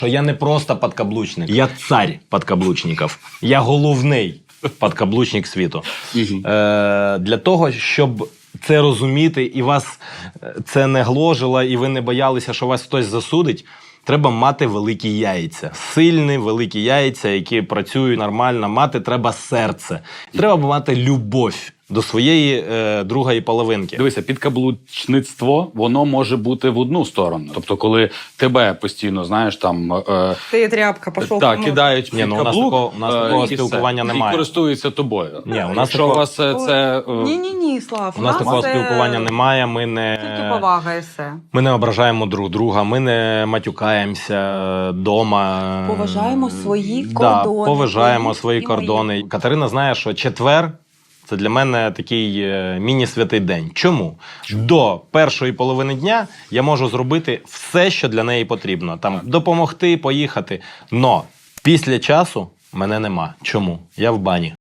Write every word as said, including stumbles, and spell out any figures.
Що я не просто подкаблучник, я цар подкаблучників. Я головний подкаблучник світу. Е, для того, щоб це розуміти і вас це не гложило, і ви не боялися, що вас хтось засудить, треба мати великі яйця. Сильні, великі яйця, які працюють нормально. Мати треба серце. Треба мати любов до своєї е, другої половинки. Дивися, підкаблучництво, воно може бути в одну сторону. Тобто, коли тебе постійно, знаєш, там... Е, Ти тряпка, пішов. так, кидають Ні, під ну, у нас каблук, такого- у нас такого і все. спілкування немає. І користуються тобою. Ні, у нас Якщо такого- у вас е, це... е, Ні-ні-ні, Слав. У нас такого спілкування немає, ми не... Тільки повага і все. Ми не ображаємо друг друга, ми не матюкаємося вдома. Поважаємо свої Да, кордони. поважаємо Твої свої і мої. кордони. Катерина знає, що четвер – це для мене такий е, міні-святий день. Чому? До першої половини дня я можу зробити все, що для неї потрібно. Там допомогти, поїхати. Но після часу мене нема. Чому? Я в бані.